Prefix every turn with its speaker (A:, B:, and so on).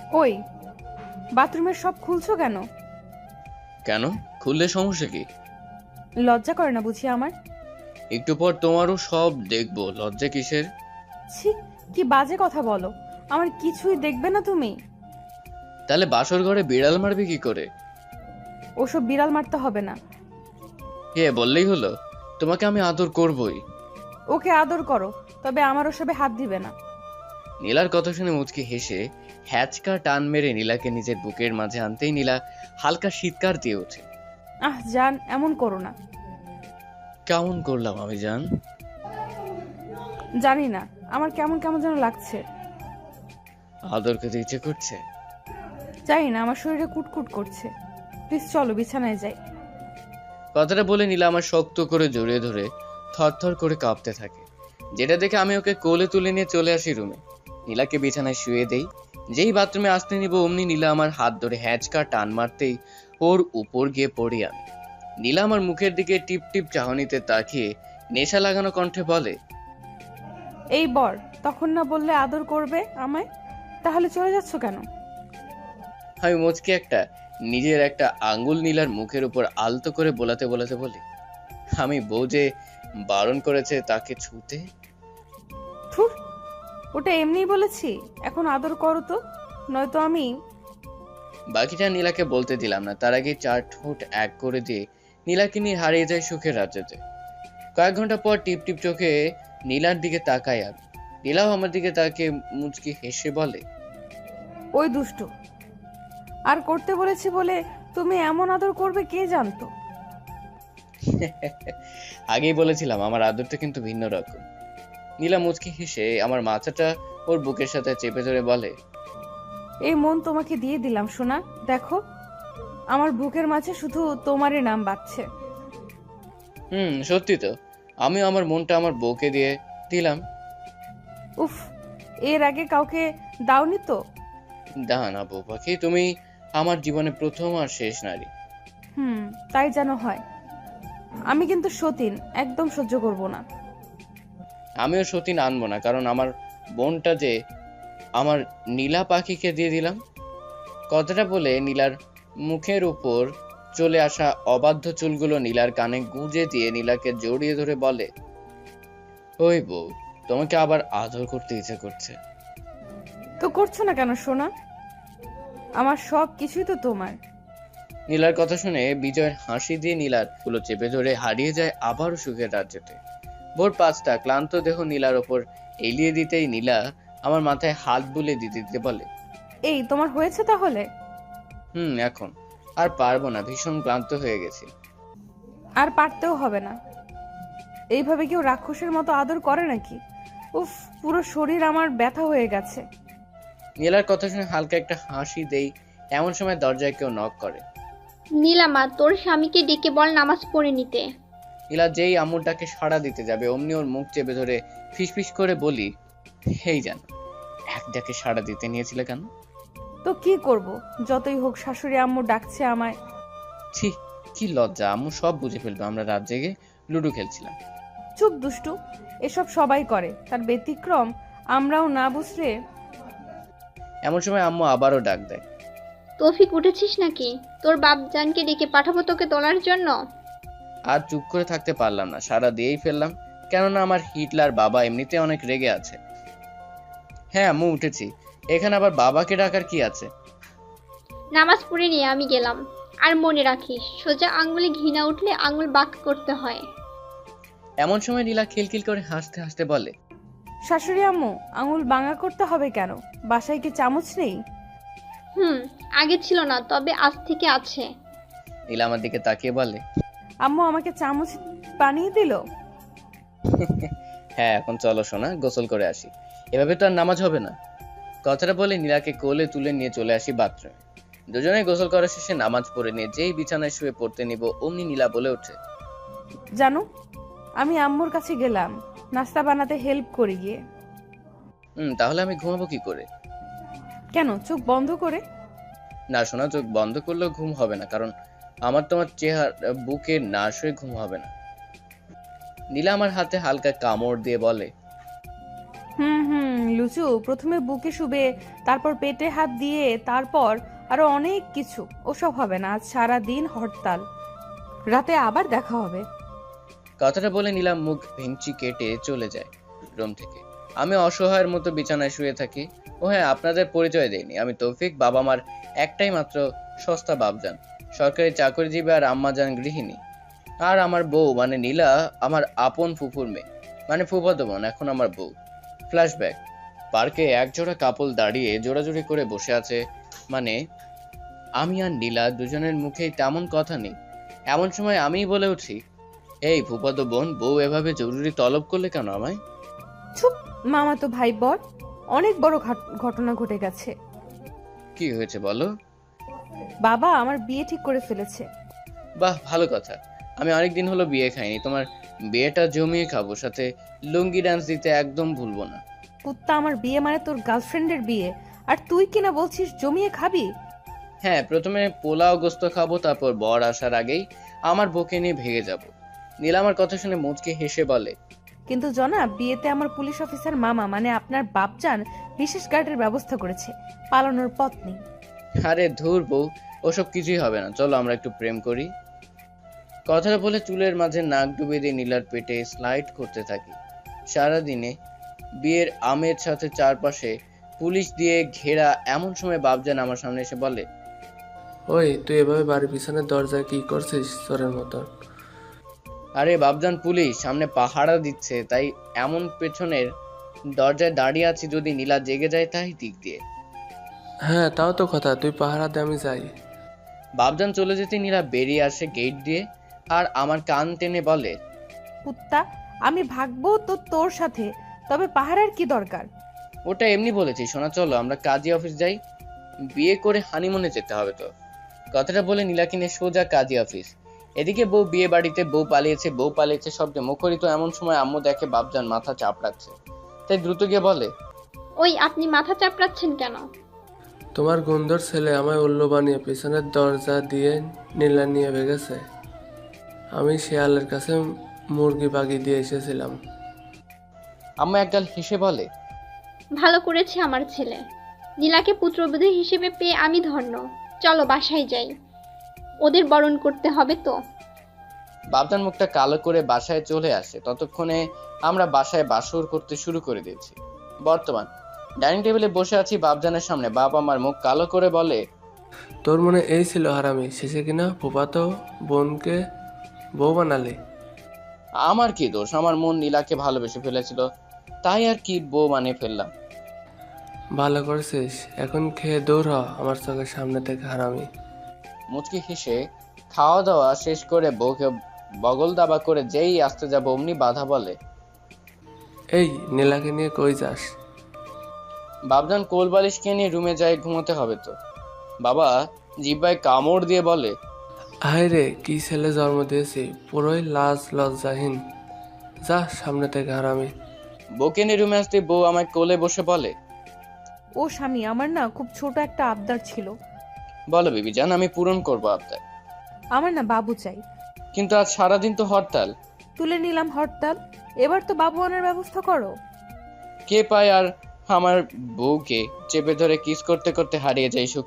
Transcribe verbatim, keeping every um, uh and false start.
A: ওই, বাথরুমের সব খুলছো কেন?
B: কেন? খুললে সমস্যা কি?
A: লজ্জা করে না বুঝি আমার?
B: একটু পর তোমারও সব দেখবো, লজ্জা কিসের?
A: ছি, কি বাজে কথা বলো। আমার কিছুই দেখবে না তুমি?
B: তাহলে বাসর ঘরে বিড়াল মারবে কি করে?
A: ওসব বিড়াল মারতে হবে না।
B: হে, বললেই হলো। তোমাকে আমি আদর করবই।
A: ওকে আদর করো, তবে আমার ওসবে হাত দিবে না।
B: নীলার কথা শুনে মুচকি হেসে হ্যাচকা টান মেরে নীলাকে নিজের বুকের মাঝে আনতেই নীলা হালকা শীতকার দিয়ে ওঠে।
A: আহ জান, এমন করো না।
B: কেমন করলাম আমি জান?
A: জানি না, আমার কেমন কেমন যেন লাগছে।
B: আদর খেতে ইচ্ছে করছে?
A: জানি না, আমার শরীরে কুটকুট করছে। প্লিজ চলো বিছানায় যাই।
B: কথাটা বলে নীলা আমার শক্ত করে জড়িয়ে ধরে থরথর করে কাঁপতে থাকে, যেটা দেখে আমি ওকে কোলে তুলে নিয়ে চলে আসি রুমে। নীলাকে বিছানায় শুয়ে দেই। যেই বাথরুমে আসতে নিব অমনি নীলা আমার হাত ধরে হ্যাচকা টান মারতেই ওর উপর গিয়ে পড়ি আমি। নীলা আমার মুখের দিকে টিপ টিপ চাহনিতে তাকিয়ে নেশা লাগানো কণ্ঠে বলে,
A: এই বর, তখন না বললে আদর করবে আমায়? তাহলে চলে যাচ্ছ কেন?
B: আমি মুচকি একটা নিজের একটা আঙ্গুল নীলার মুখের উপর আলতো করে বোলাতে বোলাতে বলি, আমি বউ যে বারণ করেছে তাকে ছুতে।
A: থুর, ওটা এমনিই বলেছি। এখন আদর করো তো, নয়তো আমি।
B: বাকিটা নীলাকে বলতে দিলাম না, তার আগে চার ঠোঁট এক করে দিয়ে নীলাকে নিয়ে হারিয়ে যায় সুখের রাজ্যতে। কয়েক ঘন্টা পর টিপ টিপ চোখে নীলার দিকে তাকাই আমি। নীলাও আমার দিকে তাকিয়ে মুচকি হেসে বলে,
A: ওই দুষ্টু, আর করতে বলেছি বলে তুমি এমন আদর করবে কে জানতো।
B: আগেই বলেছিলাম আমার আদরটা কিন্তু ভিন্ন রকম। নীলা মুচকি হেসে আমার মাথাটা ওর বুকের সাথে চেপে ধরে বলে,
A: এই মন তোমাকে দিয়ে দিলাম সোনা। দেখো, আমার বুকের মাঝে শুধু তোমারই নাম বাজছে।
B: হুম, সত্যি তো। আমিও আমার মনটা আমার বউকে দিয়ে দিলাম।
A: উফ, এর আগে কাউকে দাওনি তো?
B: দাঁড়া বউ পাখি, তুমি আমার জীবনে প্রথম আর শেষ নারী।
A: হুম, তাই যেন হয়। আমি কিন্তু সতীন, একদম সহ্য করব না।
B: আমিও সতীন আনবো না, কারণ আমার বোনটা যে আমার নীলা পাখিকে দিয়ে দিলাম। কথাটা বলে নীলার মুখের উপর চলে আসা অবাধ্য চুলগুলো নীলার কানে গুঁজে দিয়ে নীলাকে জড়িয়ে ধরে বলে, ওই বউ, তোমাকে আবার আদর করতে ইচ্ছে করছে।
A: তো করছো না কেন সোনা? আমার সব কিছুই তো তোমার।
B: নীলার কথা শুনে বিজয়ের হাসি দিয়ে নীলার গুলো চেপে ধরে হারিয়ে যায় আবারও সুখের রাজ্যতে। ভোর পাঁচটা, ক্লান্ত দেহ নীলার ওপর এলিয়ে দিতেই নীলা আমার মাথায় হাত বুলে দিতে দিতে বলে,
A: এই তোমার হয়েছে তাহলে?
B: হুম, এখন আর পারবো না, ভীষণ ক্লান্ত হয়ে গেছি।
A: আর পারতেও হবে না। এইভাবে কেউ রাক্ষসের মতো আদর করে নাকি? উফ, পুরো শরীর আমার ব্যথা হয়ে গেছে।
B: নীলার কথা শুনে হালকা একটা হাসি দেই, এমন সময় দরজায় কেউ নক করে।
C: নীলামা, তোর স্বামীকে ডেকে বল নামাজ পড়ে নিতে।
B: নীলা যেই আম্মুরটাকে সাড়া দিতে যাবে অমনি ওর মুখ চেপে ধরে ফিসফিস করে বলি, হেই জান, এক ডাকে সাড়া দিতে নিয়েছিলে কেন?
A: তো কি করব, যতই হোক শাশুড়ি আম্মু ডাকছে আমায়।
B: ছি, কি লজ্জা, আম্মু সব বুঝে ফেলবে আমরা রাত জেগে লুডো খেলছিলাম।
A: চুপ দুষ্টু, এসব সবাই করে, তার ব্যতিক্রম আমরাও না বুঝলে।
B: এমন সময় আম্মু আবারও ডাক দেয়।
C: তৌফিক, উঠেছিস নাকি? তোর বাপ জানকে ডেকে পাঠাবো তোকে তোলার জন্য।
B: আর চুপ করে থাকতে পারলাম না, সারা দিয়েই ফেললাম, কেননা আমার হিটলার বাবা এমনিতে অনেক রেগে আছে। হ্যাঁ আম্মু, উঠেছি। এখানে আবার বাবাকে ডাকার কি আছে?
C: নামাজ পড়ে নিয়ে আমি গেলাম। আর মনে রাখিস, সোজা আঙ্গুলে ঘি না উঠলে আঙ্গুল বাঁক করতে হয়।
B: এমন সময় নীলা খিলখিল করে হাসতে হাসতে বলে,
A: শাশুড়ি আম্মু, আঙুল বাঙা করতে হবে কেন? বাসায় কি চামচ নেই?
C: হুম, আগে ছিল না, তবে আজ থেকে আছে।
B: নীলা আমার দিকে তাকিয়ে বলে,
A: আম্মু আমাকে চামচ বানিয়ে দিল।
B: হ্যাঁ, এখন চলো সোনা, গোসল করে আসি, এভাবে তো আর নামাজ হবে না। কথাটা বলে নীলাকে কোলে তুলে নিয়ে চলে আসি বাথরুমে। দুজনে গোসল করা শেষে নামাজ পড়ে নিয়ে যেই বিছানায় শুয়ে পড়তে নিব অমনি নীলা বলে ওঠে,
A: জানো, আমি আম্মুর কাছে গেলাম নাস্তা বানাতে হেল্প করে গিয়ে।
B: হুম, তাহলে আমি ঘুমাবো কি করে?
A: কেন, চোখ বন্ধ করে?
B: না সোনা, চোখ বন্ধ করলেও ঘুম হবে না, কারণ আমার তোমার চেহারা বুকে না শুয়ে ঘুম হবে না। নীলা আমার হাতে হালকা কামড় দিয়ে বলে,
A: হুম হুম লুচু, প্রথমে বুকে শুবে, তারপর পেটে হাত দিয়ে, তারপর আরো অনেক কিছু। ওসব হবে না, আজ সারা দিন হরতাল, রাতে আবার দেখা হবে।
B: কথাটা বলে নিলাম মুখ ভেঙচি কেটে চলে যায় রুম থেকে। আমি অসহায়ের মতো বিছানায় শুয়ে থাকি। ও হ্যাঁ, আপনাদের পরিচয় দেয়নি, আমি তৌফিক। বাবা মার একটাই মাত্র সস্তা বাপজান, সরকারি চাকরিজীবী, আর আম্মাজান গৃহিণী। আর আমার বউ মানে নীলা আমার আপন ফুফুর মেয়ে, মানে ফুফাতো বোন, এখন আমার বউ। ফ্ল্যাশব্যাক। পার্কে একজোড়া কাপল দাঁড়িয়ে জোড়াজুড়ি করে বসে আছে, মানে আমি আর নীলা, দুজনের মুখেই তেমন কথা নেই। এমন সময় আমিই বলে উঠি, এই ফুফাতো বোন, বউ এভাবে জরুরি তলব করলে কেন আমায়?
A: চুপ, মামা তো ভাই বল, অনেক বড় ঘট- ঘটনা ঘটে গেছে।
B: কি হয়েছে বলো?
A: বাবা আমার বিয়ে ঠিক করে ফেলেছে।
B: বাহ, ভালো কথা। আমি অনেকদিন হলো বিয়ে খাইনি, তোমার বিয়েটা জমিয়ে খাবো, সাথে লুঙ্গি ডান্স দিতে একদম ভুলবো না।
A: কুত্তা, আমার বিয়ে মানে তোর গার্লফ্রেন্ডের বিয়ে, আর তুই কিনা বলছিস জমিয়ে খাবি?
B: হ্যাঁ, প্রথমে পোলাও গোস্ত খাবো, তারপর বর আসার আগেই আমার বউকে নিয়ে ভেগে যাব। নীলা আমার কথা শুনে মুচকে হেসে বলে,
A: কিন্তু জনাব, বিয়েতে আমার পুলিশ অফিসার মামা মানে আপনার বাপজান বিশেষ গার্ডের ব্যবস্থা করেছে, পালানোর পথ নেই।
B: আরে ধুর বউ, ওসব কিছুই হবে না, চলো আমরা একটু প্রেম করি। কথাটা বলে চুলের মাঝে নাক ডুবিয়ে দিয়ে নীলার পেটে স্লাইড করতে থাকি। সারাদিনে বিয়ের আমের সাথে চারপাশে পুলিশ দিয়ে ঘেরা, এমন সময় বাপজান আমার সামনে এসে বলে,
D: ওই তুই এভাবে বাড়ির পিছনের দরজায় কি করছিস চোরের মতন?
B: আরে বাপজান, পুলিশ সামনে পাহারা দিচ্ছে, তাই এমন পেছনের দরজায় দাঁড়িয়ে আছি, যদি নীলা জেগে যায় তাই দিক দিয়ে।
D: হ্যাঁ তাও তো কথা, তুই পাহারা দে, আমি যাই।
B: বাপজান চলে যেতে নীলা বেরিয়ে আসে গেট দিয়ে, আর আমার কান টেনে বলে,
A: কুত্তা, আমি ভাগবো তো তোর সাথে, তবে পাহারার কি দরকার?
B: ওটা এমনি বলেছি সোনা, চলো আমরা কাজী অফিস যাই, বিয়ে করে হানিমুনে যেতে হবে তো। কথাটা বলে নীলা কিনে সোজা কাজী অফিস। এদিকে বউ বিয়ে বাড়িতে, বউ পালিয়েছে, বউ পালিয়েছে শব্দে মুখরিত। এমন সময় আম্মু দেখে বাপজান মাথা চাপড়াচ্ছে, তাই দ্রুত গিয়ে বলে,
C: ওই আপনি মাথা চাপড়াচ্ছেন কেন?
D: তোমার গন্ধর ছেলে আমায় উল্লু বানিয়ে পিছনের দরজা দিয়ে নীলা নিয়ে ভেগেছে। আমি শেয়ালের কাছে মুরগি বাগি দিয়ে এসেছিলাম।
B: আম্মা একগাল হেসে বলে,
C: ভালো করেছে আমার ছেলে, নীলাকে পুত্রবধূ হিসেবে পেয়ে আমি ধন্য। চলো বাসায় যাই, ওদের বরণ করতে হবে তো।
B: বাপজান মুখটা কালো করে বাসায় চলে আসে। ততক্ষণে আমরা বাসায় বাসর করতে শুরু করে দিয়েছি। বর্তমান ডাইনিং টেবিলে বসে আছি বাপজানের সামনে। বাপ আমার মুখ কালো করে বলে,
D: তোর মনে এই ছিল হারামি, শেষে কিনা ফুপাতো বোনকে বউ বানালি।
B: আমার কি দোষ? আমার মন নীলাকে ভালোবেসে ফেলেছিল, তাই আর কি বউ বানিয়ে ফেললাম।
D: ভালো করছিস, এখন খেয়ে দৌড় হ আমার চোখের সামনে থেকে হারামি।
B: মুচকি হেসে খাওয়া দাওয়া শেষ করে বউকে বগল দাবা করে যেই আসতে যাবো অমনি বাধা বলে,
D: এই নীলাকে নিয়ে কই যাস?
B: বাপজান কোল বালিশকে নিয়ে রুমে যায়, ঘুমোতে হবে তো। বাবা জিব্বায় কামড় দিয়ে বলে,
D: হায় রে, কি ছেলে জন্ম দিয়েছি, পুরোই লাজ লজ্জাহীন। যা সামনে থেকে হারামি।
B: বউকে নিয়ে রুমে আসতে বউ আমায় কোলে বসে বলে,
A: ও স্বামী, আমার না খুব ছোট একটা আবদার ছিল।
B: বলো বিবি জান, আমি পূরণ করবো আপনার।
A: আমার না বাবু চাই।
B: কিন্তু আজ সারাদিন তো হরতাল।
A: তুলে নিলাম হরতাল, এবার তো বাবু আনার ব্যবস্থা করো।
B: কে পায় আর আমার বউকে চেপে ধরে কিস করতে করতে হারিয়ে যায় সুখে।